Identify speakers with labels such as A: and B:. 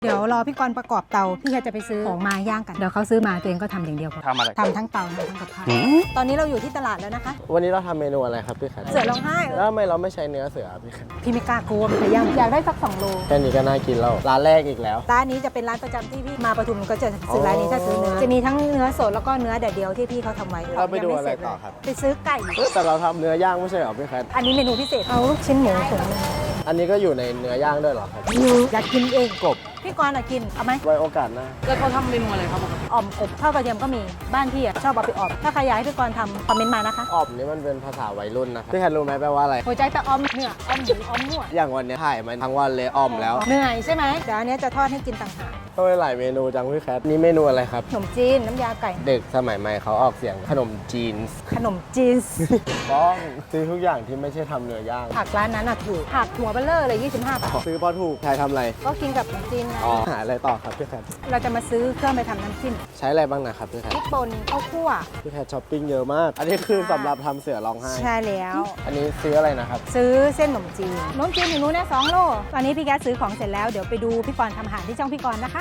A: เดี๋ยวรอพี่กรณ์ประกอบเตาพี่แคทจะไปซื้อของมาย่างกันเดี๋ยวเขาซื้อมาตัวเองก็ทำอย่างเดียวพอ
B: ทำอะไร
A: ทำทั้งเตาทั้งกับข้าวตอนนี้เราอยู่ที่ตลาดแล้วนะคะ
C: วันนี้เราทำเมนูอะไรครับพี่แคท
A: เสือร้องไห้
C: แล้วทำไมเราไม่ใช้เนื้อเสือพี่แคท
A: พี่ไม่กล้ากลัวมันจะย่างอยากได้สัก2 โล
C: แค่นี้ก็น่ากินแล้วร้านแรกอีกแล้ว
A: ร้านนี้จะเป็นร้านประจำที่พี่มาปทุมก็จะซื้อร้านนี้ถ้าซื้อเนื้อจะมีทั้งเนื้อสดแล้วก็เนื้อแดดเดียวที่พี่เขาทำไว้
C: เราไปดู
A: ยังม่
C: อะไร
A: เสจ
C: ต่อครับ
A: ไปซื้อไก่
C: แต่เราทำเนื้อย่างไม่ใช่เหรอพี่แคท
A: อันนี้เมนูพิเศษเอาลูกชิ้นหมูถุงนึง
C: อันนี้ก็อยู่ในเนื้อย่างด้วยเหรอครับ
A: อยากกินเอง
C: กบ
A: พี่กรณ์กินเอาไหม
C: ไว้โอกาสหน้า
B: แล้วเขาทำเมนูอะไรครับผม
A: อ่อมกบข้าวกระเทียมก็มีบ้านพี่ชอบเอาไปอ่อมถ้าใครอยากให้พี่กรณ์ทำคอมเมนต์มานะคะ
C: อ่อมนี่มันเป็นภาษาวัยรุ่นนะครับพี่แคทรู้ไหมแปลว่าอะไร
A: หัวใจแต่อ่อมเนื้ออ่อมหมูอ่อมหัว
C: อย่างวันนี้ถ่ายมันทั้งวันเลยอ่อมแล้ว
A: เหนื่อยใช่ไหมเดี๋ยวอันนี้จะทอดให้กินต่างหาก
C: ทำไมหลายเมนูจังพี่แคทนี่เมนูอะไรครับ
A: ขนมจีนน้ำยาไก่
C: เด็กสมัยใหม่เขาออกเสียงขนมจีน
A: ขนมจีน
C: ต้องซื้อทุกอย่างที่ไม่ใช่ทำเนื้อย่าง
A: ผักร้านนั้นอ่ะถูกผักหัวเบลเลอร์เลย25 บาท
C: ซื้อพอถูกใครทำอะไร
A: ก็กินกับขนมจีนไง
C: อ๋อหาอะไรต่อครับพี่แคท
A: เราจะมาซื้อเครื่องไปทำน้ำจิ้ม
C: ใช้อะไรบ้างนะครับพี่แค
A: พ
C: ท
A: ริกป่นข้าวคั่ว
C: พี่แคทช้อปปิ้งเยอะมาก อันนี้คือสำหรับทำเสือร้องไห้
A: ใช่แล้ว
C: อันนี้ซื้ออะไรนะครับ
A: ซื้อเส้นขนมจีนขนมจีนอยู่นู้นนะ2 โลตอนนี้พี่แก๊สซื้อของเสร็จแล้วเดี๋ยวไปดูพี่กรณ์ทำอาหารที่ช่องพี่กรณ์นะคะ